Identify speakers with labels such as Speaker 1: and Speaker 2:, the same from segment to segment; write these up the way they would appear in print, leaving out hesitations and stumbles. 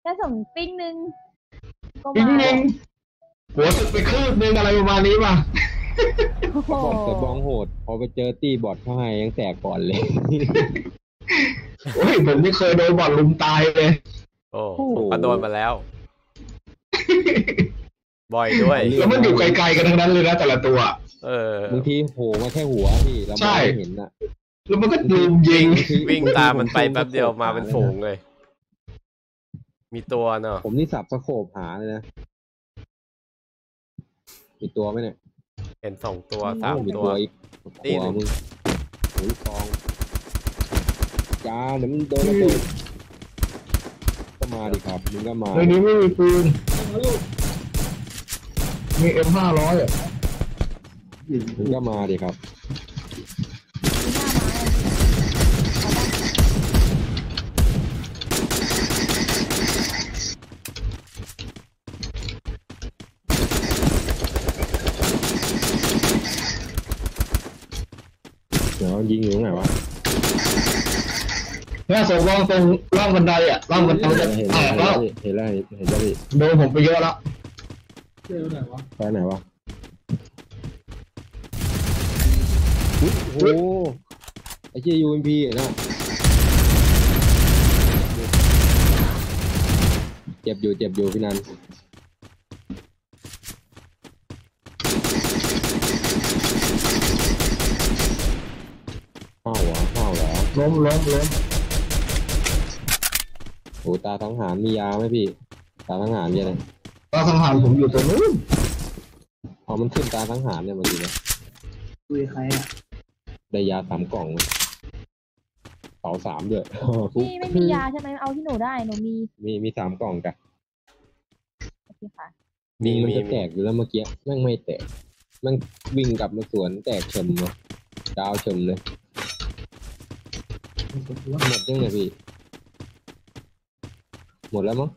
Speaker 1: แค่ส่งปิ้งนึงก็
Speaker 2: จริง
Speaker 1: มา
Speaker 2: จริงหัวสึกไปคืบนึงอะไรประมาณนี้ป่ะ
Speaker 1: โอ้โห
Speaker 3: บอกแต่บองโหดพอไปเจอตี้บอทเข้าให้ยังแตกก่อนเลย
Speaker 2: โอ้ยผมไม่เคยโดนบอลลุมตายเลย
Speaker 4: โอ้ผมก็โดนมาแล้ว บ่อยด้วย
Speaker 2: แล้วมันอยู่ไกลๆกันทั้งนั้นเลยนะแต่ละตัว
Speaker 3: บางทีโผล่มาแค่หัวพี่เราไม่เห็นอ่ะ
Speaker 2: แล้วมันก็ลุมยิง
Speaker 4: วิ่งตามมันไปแป๊บเดียวมาเป็นฝูงเลย มีตัวเนาะ
Speaker 3: ผมนี่สับสโคปหาเลยนะมีตัวไหมเนี่ย
Speaker 4: เห็น2 ตัว 3
Speaker 3: มี
Speaker 4: ตัว
Speaker 3: อีก
Speaker 4: นี่
Speaker 3: หัวมึงโอ้ยกองจ้าเดี๋ยวมึงโดนระเบิดก็มาดิครับมึงก็มา
Speaker 2: ในนี้ไม่มีปืนมี M500 อ่ะ
Speaker 3: มึงก็มาดิครับเดี๋ยวยิงอยู่ตรงไหนวะ
Speaker 2: หน้าสองตรงล่างบันไดอ่ะล่างบันไดจะ
Speaker 3: เห็น
Speaker 2: แตกแล้ว
Speaker 3: เห็นแล้วเห็นแล้วพี่
Speaker 2: โดนผมไปเยอะแล้ว
Speaker 3: ไปไหนวะอุ๊ยโอ้โหไอ้เจี๊ยยูเอ็มพีนะเจ็บอยู่พี่นันเข้าเหรอ
Speaker 2: ล้ม
Speaker 3: โอ้ตาทั้งหารมียาไหมพี่ตาทั้งหารเนี่ยเลย
Speaker 2: ตาสังหารผมอยู่ตรงนู้น
Speaker 3: เอามันขึ้นตาทั้งหารเนี่ยมันดีนะ
Speaker 2: คุยใครอ่ะ
Speaker 3: ได้ยา3 กล่องเลยเป๋า3ด้วย
Speaker 1: พี่ไม่มียาใช่ไหมเอาที่หนูได้หนู
Speaker 3: มี3 กล่องจ้ะ
Speaker 1: โอเคค่ะ
Speaker 3: ยิงมันจะแตกอยู่แล้วเมื่อกี้แม่งไม่แตกแม่งวิ่งกลับมาสวนแตกเฉมเลยดาวเฉมเลยหมดยังไงพี่หมดแล้วมั้ง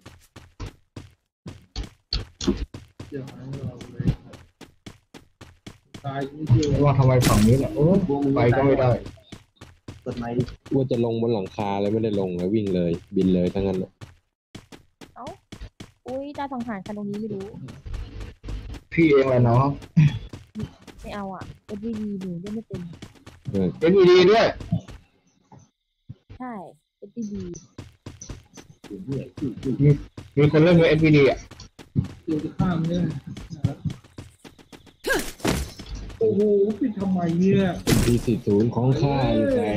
Speaker 2: ว่าทำไมฝั่งนี้เนี่ยโอ้ไปก็ไม่ได้
Speaker 3: ว่าจะลงบนหลังคาเลยไม่ได้ลงเลยวิ่งเลยบินเลยทั้งนั้นเลย
Speaker 1: เอ้าอุ้ยตาสังหารคันตรงนี้ไม่รู้
Speaker 2: พี่เองแหละเนาะ
Speaker 1: ไม่เอาอ่ะเอ็ดวีดีหนูเล่นไม่เป็น
Speaker 2: LED ด้วย
Speaker 1: ใช่เอ็ดวีดี
Speaker 2: มีคนเล่นกับ NVD อ่ะ
Speaker 5: โอ้โหปิดทำไมเนี่ย
Speaker 3: เป็นP40ของข้าอยู่ไหน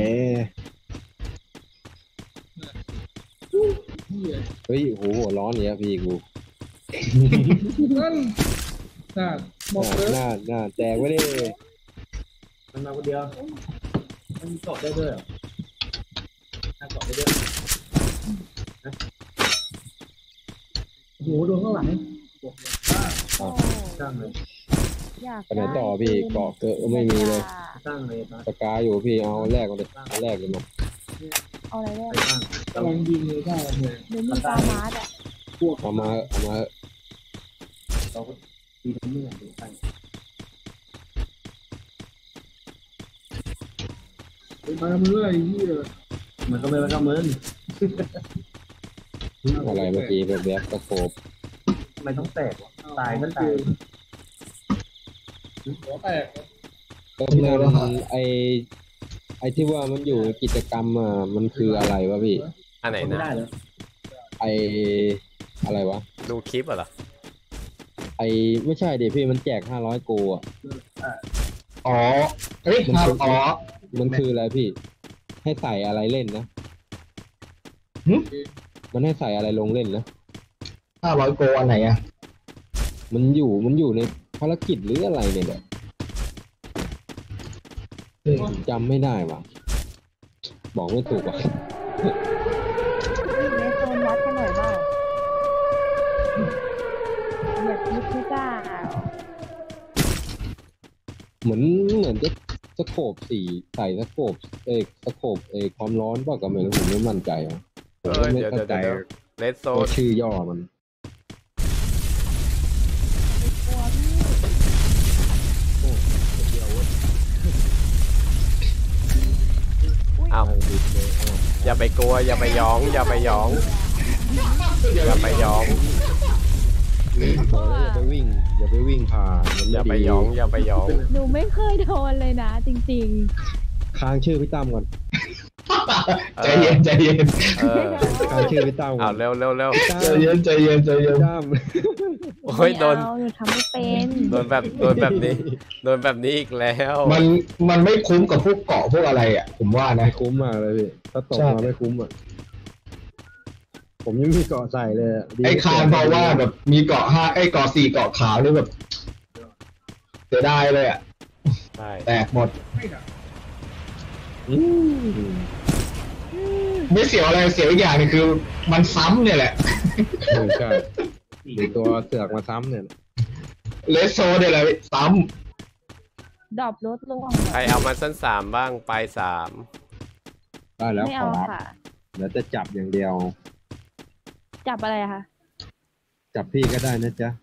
Speaker 3: เฮ้ยโหหัวร้อนเนี่ยพี่กู
Speaker 5: นั่นน่ะบอกเลย
Speaker 3: หน้าแตกไว้ดิ
Speaker 5: มันมาคนเดียวมันมีเกาะได้ด้วยเหรอน่าเกาะได้ด้วยโอ้โหโดนข้างหลังบอกเลยว่า
Speaker 1: โอ้
Speaker 5: สร้างเลย
Speaker 1: อยาก
Speaker 3: ไปไหนต่อพี่เกาะเกอะก็ไม่มีเลย
Speaker 5: สร้างเลยนะ
Speaker 3: ปากกาอยู่พี่เอาแรกมาเลยเอาแรกเลยมา
Speaker 1: เอาอะไรได้
Speaker 5: สร้างกำลังยิงเลยได้เลย
Speaker 1: หนูมีตามาร์ดอ่ะ
Speaker 3: เอามา
Speaker 5: เราก็ดีทั้งเมื่อดูไปมาเมื่อไอ้เหี้ยมันก็ไม่มาก็มึน
Speaker 3: อะไรเมื่อกี้แบบตะโขบ
Speaker 5: ทำไมต้องแตกวะตายก็ตายหัวแตก
Speaker 3: ก็พี่นันไอที่ว่ามันอยู่กิจกรรมมันคืออะไรวะพี่
Speaker 4: อันไหน
Speaker 5: ไม่
Speaker 4: นะ
Speaker 5: ได้เหรอ
Speaker 3: ไออะไรวะ
Speaker 4: ดูคลิปเหรอ
Speaker 3: ไอไม่ใช่เดี๋ยวพี่มันแจก500โกอ่ะ
Speaker 2: อ๋อเฮ้ยอ๋อ
Speaker 3: มันคืออะไรพี่ ให้ใส่อะไรเล่นนะ
Speaker 2: หึ
Speaker 3: มันให้ใส่อะไรลงเล่นนะ
Speaker 2: 500 โกอันไหนอ่ะ
Speaker 3: มันอยู่ในภารกิจหรืออะไรเนี่ยแหละจำไม่ได้ว่ะบอกไม่ถูกว่ะ
Speaker 1: เลสโซนวัดกันหน่อยบ้างอยากคิดไม่กล้า
Speaker 3: เหมือนจะสโคปสีใส่สโคปสโคปความร้อนเปล่าก็ไม่รู้ผมไม่มั่นใจอ่ะผมก็ไม่เข้าใจ
Speaker 4: เลดโซ
Speaker 3: ตัวน ชื่อย่อมัน
Speaker 1: กลัวพี่
Speaker 4: อ้าวอย่าไปกลัวอย่าไปหยองอย่าไปหยอง
Speaker 1: เ
Speaker 4: อย่าไปหยอง
Speaker 3: บอกแล้วอย่าไปวิ่งผ่านมัน
Speaker 4: อย่าไป
Speaker 3: ม่ดี
Speaker 4: หยองอย่าไปหยอง
Speaker 1: หนูไม่เคยโดนเลยนะ จริง
Speaker 3: ค้างชื่อพี่ตั้มก่อน
Speaker 2: ใจเย็นใจเย็น
Speaker 4: เออ
Speaker 3: ค้างชื่อพี่ตั้มก่
Speaker 4: เอา
Speaker 3: อน
Speaker 4: เร็วเร็วเร็ว
Speaker 3: ตั้ม
Speaker 2: ใจเย็นใจเย็นใจเย็น
Speaker 3: ตั้ม
Speaker 1: ๆ
Speaker 4: โอ้ยโดน
Speaker 1: ไม่เอาหนูทำไม่เป็น
Speaker 4: โดนแบบนี้อีกแล้ว
Speaker 2: มันไม่คุ้มกับพวกเกาะพวกอะไรอ่ะ ผมว่านะ
Speaker 3: ไม่คุ้มมากเลยพี่ถ้าตก
Speaker 2: ใช่
Speaker 3: มาไม่คุ้มอ่ะผมยังมีเกาะใส่เลยอะดี
Speaker 2: ไอ้คานเพราะว่าแบบมีเกาะ5ไอ้เกาะ4เกาะขาวนี่แบบเสียดายเลยอ่ะ
Speaker 4: ใช่
Speaker 2: แตกหมด
Speaker 3: อืม
Speaker 2: ไม่เสียวอะไรเสียวอีกอย่างหนึงคือ มันซ้ำเนี่ยแหละ
Speaker 3: ใช่มีตัวเสือกมาซ้ำเนี่ย
Speaker 2: เลสโซเนี่ยแหละซ้
Speaker 1: ดรอปรถลง
Speaker 4: ใครเอามาสั้น3บ้างไป3
Speaker 3: ได้แล้ว
Speaker 1: ไม่
Speaker 3: ขอ
Speaker 1: เอา
Speaker 3: รับ
Speaker 1: ค่ะ
Speaker 3: เดี๋ยวจะจับอย่างเดียว
Speaker 1: จับอะไรอะคะ
Speaker 3: จับพี่ก็ได้นะจ๊ะ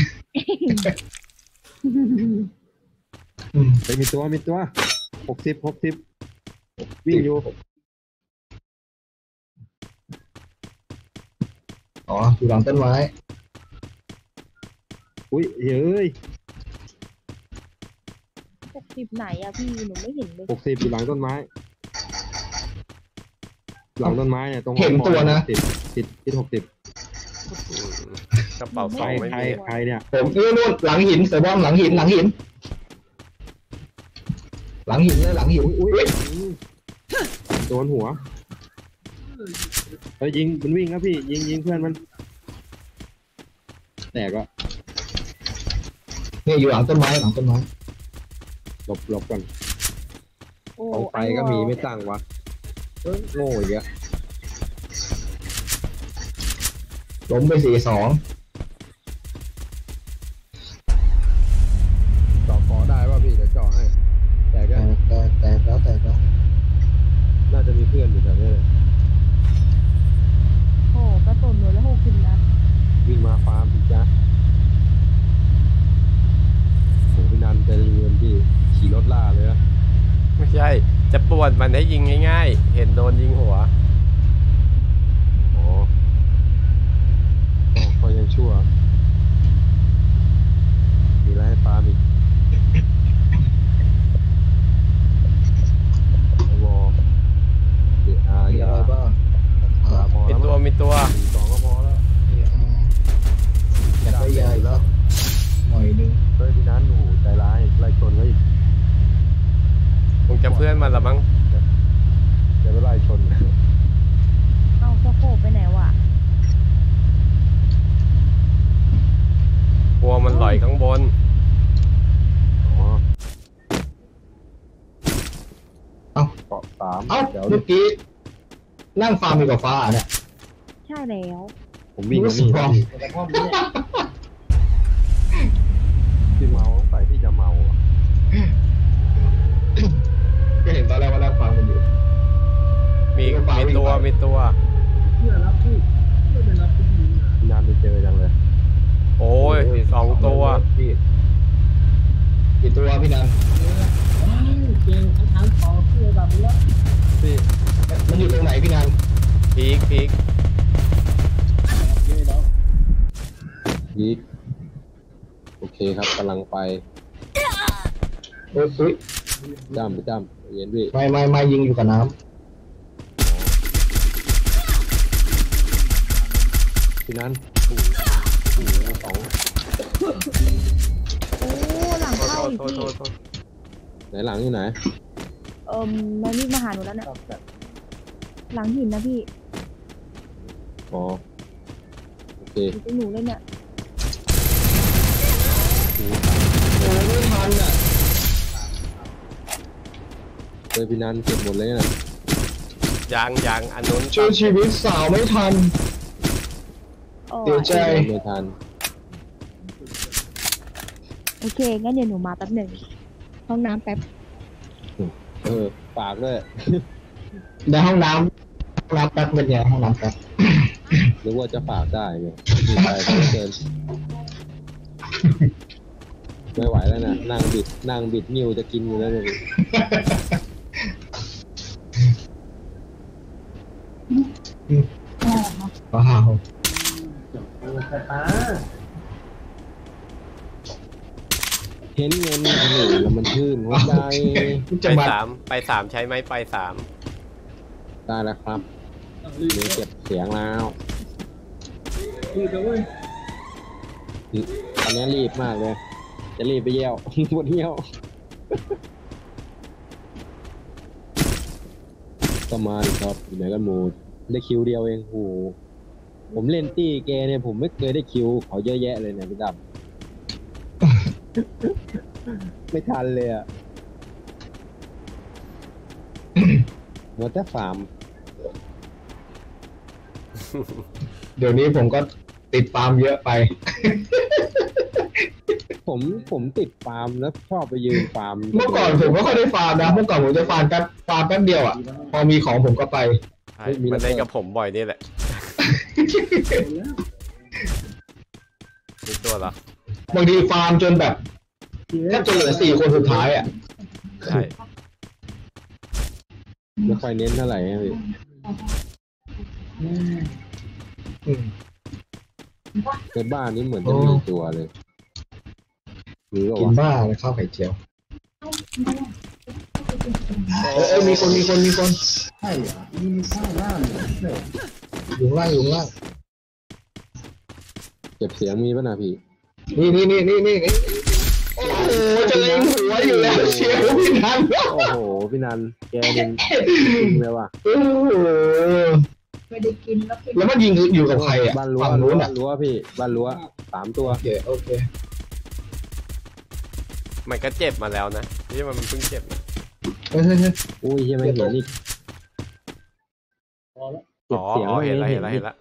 Speaker 2: ำ
Speaker 3: ไปมีตัว60วิ่งอยู่
Speaker 2: อ๋ออยู่หลังต้นไม้
Speaker 3: อุ้ยเฮ้ย
Speaker 1: 60ไหนอะพี่หนูไม่เห็นเลย
Speaker 3: 60อยู่หลังต้นไม้ หลังต้นไม้เนี่ยตรง
Speaker 2: เห็นตัวนะ
Speaker 3: ติด60
Speaker 4: กระเป๋าสอง
Speaker 3: ใคร
Speaker 4: ไม่
Speaker 3: ใคร
Speaker 4: มี
Speaker 3: ใครเนี่ย
Speaker 2: ผมนู่นหลังหินเสือบอมหลังหินหลังหินเลยหลังหิน
Speaker 3: อุ้ย
Speaker 2: อุ๊ย
Speaker 3: โดนหัวเฮ้ยยิงมันวิ่งครับพี่ยิงเพื่อนมันแตกก็
Speaker 2: เนี่ยอยู่หลังต้นไม้หลังต้นไม้
Speaker 3: หลบก่อน
Speaker 1: โอ้
Speaker 3: กองไฟก็มีไม่ตั้งวะโง่อีกอะ
Speaker 2: ล้มไป4-2
Speaker 3: เจาะคอได้ป่ะพี่เดี๋ยวเจาะให้แต่ก็
Speaker 2: แตกแล้ว
Speaker 3: น่าจะมีเพื่อนอยู่แถวนี้เลย
Speaker 1: โอ้กระตุนหนูแล้ว60นัด
Speaker 3: วิ่งมาฟาร์มพี่จ๊ะโหพี่นันใจเย็นพี่ขี่รถล่าเลยนะ
Speaker 4: ไม่ใช่ จะป่วนมันให้ยิงง่ายๆ เห็นโดนยิงหัว
Speaker 3: อ๋อก็ยังชั่วมีอะไรให้ฟาร์มอีกวอเดี๋ยว
Speaker 2: มีอะไรบ้าง
Speaker 3: พอ
Speaker 4: มี
Speaker 3: แล้ว
Speaker 4: ตัวมีตัว
Speaker 3: สองก็พอแล้ว
Speaker 2: อยากได้ยาอีกแล้วหน่อยนึง
Speaker 3: เฮ้ยพี่นันโอ้โหใจร้ายไล่ชนไว้อีก
Speaker 4: คงจะเพื่อนมันละมั้ง
Speaker 3: จะไปไล่ชน
Speaker 1: เอาสะโพกไปไหนวะ
Speaker 4: กลัวมันลอยข้างบน
Speaker 3: อ๋อ
Speaker 2: เอ้า
Speaker 3: เกาะสาม
Speaker 2: เอ้า
Speaker 3: เดี๋ยว
Speaker 2: เมื่อกี้นั่งฟาร์มอยู่กับฟ้าเนี่ย
Speaker 1: ใช่แล้ว
Speaker 3: ผมวิ่งมานี่
Speaker 2: รู้สึกว่า
Speaker 5: แต่พ่อมีเนี่ย
Speaker 3: พี่เมาไปพี่จะเมาอ่ะ
Speaker 2: ก็เห็นตอนแรกว่านั่งฟาร์มกันอยู่
Speaker 4: มีตัว
Speaker 5: เพื่อรับผู้เพื่อไปรับผู้หญิงอ่ะ
Speaker 3: พี่นันไปเจอจังเลย
Speaker 4: โอ้ย2 ตัว
Speaker 2: พี่กี่ตัวพี่นัน
Speaker 5: ว้าวเก่งทั้งขอเพื่อแบบนี้แล้ว
Speaker 3: พี่
Speaker 2: มันอยู่ตรงไหนพี่นัน
Speaker 4: พีก
Speaker 5: เยอะแล้ว
Speaker 3: ยิกโอเคครับกำลังไป
Speaker 2: อุ๊ย
Speaker 3: จ้ำไปจ้ำเย็นพี่
Speaker 2: ไม่ยิงอยู่กับน้
Speaker 3: พี่นันโอ้โหสอง
Speaker 1: โอ้หลัง
Speaker 4: โท
Speaker 1: เข้า
Speaker 4: ษ
Speaker 1: อีก
Speaker 4: โทษ
Speaker 1: พี่
Speaker 4: โทษ
Speaker 3: ไหนหลังอยู่ไหน
Speaker 1: มันวิ่งมาหาหนูแล้วเนี่ยหลังหินนะพี่
Speaker 3: อ๋อโอเค
Speaker 1: อยู่ตรงหนูเลยเนี่ย
Speaker 2: ำไม่ทันอ่ะ
Speaker 3: เจอพี่นันเก็บหมดเลยนะ
Speaker 4: ยังอันนู้น
Speaker 2: ช่วยชีวิตสาวไม่ทัน
Speaker 1: โอ้
Speaker 2: เสียใจ
Speaker 3: ไม่ทัน
Speaker 1: โอเคงั้นเดี๋ยวหนูมาแป๊บหนึ่งห้องน้ำแป๊บ
Speaker 3: ปากด้วย
Speaker 2: ในห้องน้ำแป๊บเป็นไงห้องน้ำแป๊บ
Speaker 3: หรือว่าจะฝากได้เนี่ยมีไปก็เกินไม่ไหวแล้วนะนั่งบิดนิ้วจะกินอยู่แล้วเนี่ย
Speaker 2: ว้าว
Speaker 5: แต่ป้า
Speaker 3: เห็นเงินคนอื่นแล้วมันชื่นหัวใจ
Speaker 2: จะ
Speaker 4: ไป
Speaker 2: มา
Speaker 4: สามไปสามใช้ไหมไปสาม
Speaker 3: ได้แล้วครับมีเก็บเสียงแล้ว
Speaker 5: รีบเลยเว้ย
Speaker 3: ตอนนี้รีบมากเลย จะรีบไปเยี่ยว ปวดเยี่ยวก็มาดิครับอยู่ไหนกันหมูได้คิวเดียวเองโหผมเล่นตี้เกเนี่ยผมไม่เคยได้คิวเขาเยอะแยะเลยเนี่ยพี่ดำ ไม่ทันเลยอ่ะ มัวแต่ฟาร์ม
Speaker 2: เดี๋ยวนี้ผมก็ติดฟาร์มเยอะไป
Speaker 3: ผมติดฟาร์มแล้วชอบไปยืนฟาร์ม
Speaker 2: เมื่อก่อนผมไม่ค่อยได้ฟาร์มนะเมื่อก่อนผมจะฟาร์มแป๊บเดียวอ่ะพอมีของผมก็ไป
Speaker 4: ใช่มันเล่นกับผมบ่อยนี่แหละมีตัวเหรอบ
Speaker 2: างทีฟาร์มจนแบบแทบจะเหลือ4 คนสุดท้ายอ่ะ
Speaker 4: ใช่
Speaker 3: ไม่ค่อยเน้นเท่าไหร่นะพี่
Speaker 2: อืม
Speaker 3: ในบ้านนี้เหมือนจะมีตัวเลยหรือ
Speaker 2: กิน
Speaker 3: ว่า
Speaker 2: บ้าเลยข้าวไข่เจียวมีคน
Speaker 5: ใช่เหรอนี่มีข้าวหน้าเลย
Speaker 2: อยู่ข้างล่างอยู่ข้างล่าง
Speaker 3: เก็บเสียงมีป่ะนะพี่
Speaker 2: นี่โอ้โหจะเล็งหัวอยู่แล้วเชียวพี่นัน
Speaker 3: โอ้โหพี่นันแกยิงเลยว่ะ
Speaker 2: โอ้โห
Speaker 1: ไม่ได้กินแล้วกิน
Speaker 2: แล้วมันยิงอยู่กับใครอ่ะ
Speaker 3: บ้านรั้ว
Speaker 2: ฝั่งนู้นอ่ะ
Speaker 3: รั้วพี่บ้านรั้ว3 ตัว
Speaker 2: โอเค
Speaker 4: มันก็เจ็บมาแล้วนะที่มันเพิ่งเจ็บนะ
Speaker 2: เฮ้ย
Speaker 3: อุ้ยยังไม่เห็นอีก
Speaker 5: พอแล้ว
Speaker 3: เก็บเสียง
Speaker 4: เห็นละ
Speaker 3: ไม่
Speaker 4: เห็นละเห็นละ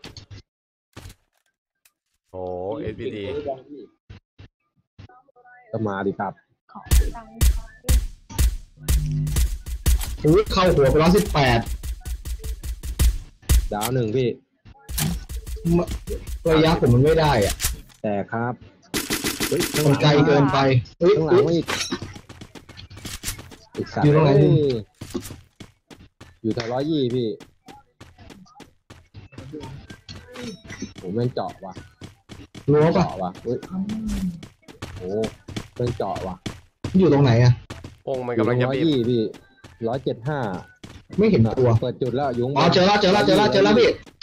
Speaker 4: โอ้เอสพีดี
Speaker 3: ก็มาดิครับ
Speaker 1: ของตังค์
Speaker 2: อุ้ยเข้าหัวไป118
Speaker 3: ดาว1พี่
Speaker 2: ระยะผมมันไม่ได้อ่ะ
Speaker 3: แต่ครับเฮ้ยข้างห
Speaker 2: มั
Speaker 3: ลั
Speaker 2: น
Speaker 3: ง
Speaker 2: ไกลเกินไปเฮ้ย
Speaker 3: ข้างหลังมาอีกสัตว์
Speaker 2: อยู่ตรงไหน
Speaker 3: เอ้
Speaker 2: พี่
Speaker 3: ยอยู่แถว120พี่ผมแม่งเจาะว่ะ
Speaker 2: รู้ป่ะ
Speaker 3: เจาะว่ะเฮ้ยโอ้แม่งเจาะว่ะ
Speaker 2: อยู่ตรงไหนอ่ะ
Speaker 4: วงมันกำลังจะบีบ
Speaker 3: 120พี่175
Speaker 2: ไม่เห็นตัว
Speaker 3: เปิดจุดแล้วยุง
Speaker 2: อ๋อเจอแล้วพี่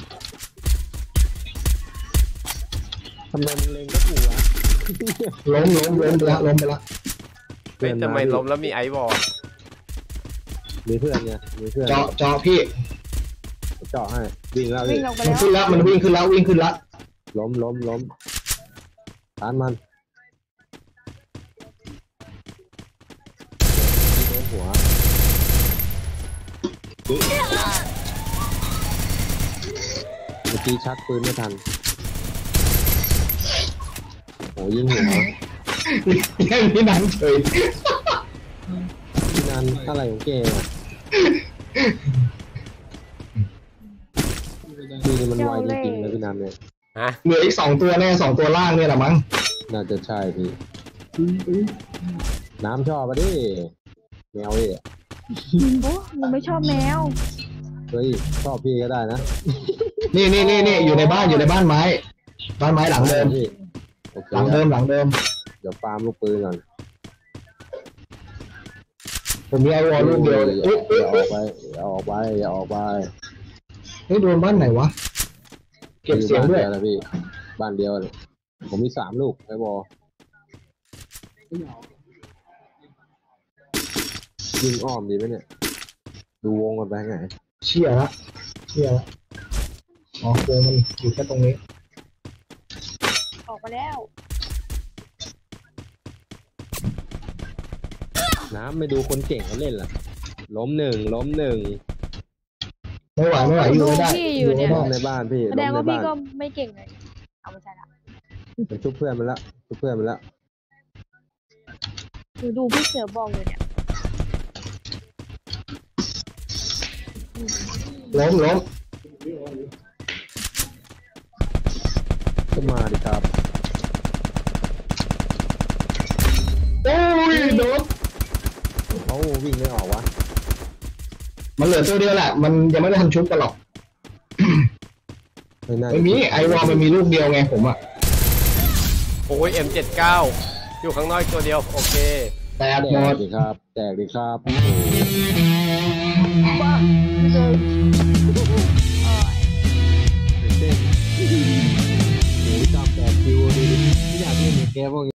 Speaker 3: ทำไมมันเล็งก็กูวะ
Speaker 2: ล้มไปแล้ว
Speaker 4: เฮ้ยทำไมล้มแล้วมีไอซ์บอล
Speaker 3: มีเพื่อนไงมีเพื่อน
Speaker 2: เจาะพี่
Speaker 3: เจาะให้วิ่งแล้ว
Speaker 1: วิ่
Speaker 3: พี่
Speaker 1: งออกไป
Speaker 2: มัน
Speaker 1: แล้ว
Speaker 2: ขึ้นแล้วมันวิ่งขึ้นแล้ว
Speaker 3: ล้มตานมันโดนหัวเมื่อกี้ชักปืนไม่ทันโอ้ยิงหัว
Speaker 2: ยังพี่นันเฉย
Speaker 3: พี่นันอะไรของแกอ่ะพี่นี่มันไวจริงๆนะพี่นันเนี่ย
Speaker 4: ฮะ
Speaker 2: เหลืออีก2 ตัวแน่2 ตัวล่างเนี่ยแหละมั้ง
Speaker 3: น่าจะใช่พี่น้ำชอบปะดิแมวดิ
Speaker 1: โอ้หนูไม่ชอบแมว
Speaker 3: เฮ้ยชอบพี่ก็ได้นะ
Speaker 2: นี่อยู่ในบ้านไม้หลังเดิม
Speaker 3: พี่โอเค
Speaker 2: หลังเดิม
Speaker 3: เดี๋ยวฟาร์มลูกปืนก่อน
Speaker 2: ผมมีไอวอลลูกเดียว
Speaker 3: อย่าออกไป
Speaker 2: เฮ้ยโดนบ้านไหนวะเก็บเสียงด้วย
Speaker 3: นะพี่บ้านเดียวเลยผมมี3 ลูกไอ้บอยิงอ้อมดีไหมเนี่ยดูวงกันไปไง
Speaker 2: เชี่ยละอ๋อโกงมันอยู่แค่ตรงนี้
Speaker 1: ออกมาแล้ว
Speaker 3: น้ำไม่ดูคนเก่งเขาเล่นล่ะล้มหนึ่ง
Speaker 2: ไม่ไหวอยู่ไม่ได้
Speaker 1: พี่อยู่เนี่ย
Speaker 3: ล้มในบ้านพี่
Speaker 1: แส
Speaker 3: ล้
Speaker 1: ดง
Speaker 3: มใน
Speaker 1: ว่าพี่
Speaker 3: บ้าน
Speaker 1: ก็ไม่เก่งเลยเอาไม่ใช่ละ
Speaker 3: มันชุบเพื่อนมันละ
Speaker 1: หนูดูพี่เสือบอกอยู่เนี่ย
Speaker 2: ล้ม
Speaker 3: ก็มาดิครับ
Speaker 2: โอ้ยโดน
Speaker 3: เขาวิ่งไม่ออกวะ
Speaker 2: มันเหลือตัวเดียวแหละมันยังไม่ได้ทันชุบกันหรอกไม่มีไอวอลมันมีลูกเดียวไงผมอ่ะ
Speaker 4: โอ้ย M79 อยู่ข้างนอกอีกตัวเดียว โอเค
Speaker 2: แตก
Speaker 3: แต
Speaker 2: หม
Speaker 3: ก
Speaker 2: ด
Speaker 3: ดีครับ แตกดีครับ
Speaker 1: บ้าไม่เลย
Speaker 3: เต้นโอ้ยจำแตกคิวดูดิไม่อยากเล่นในแกพวก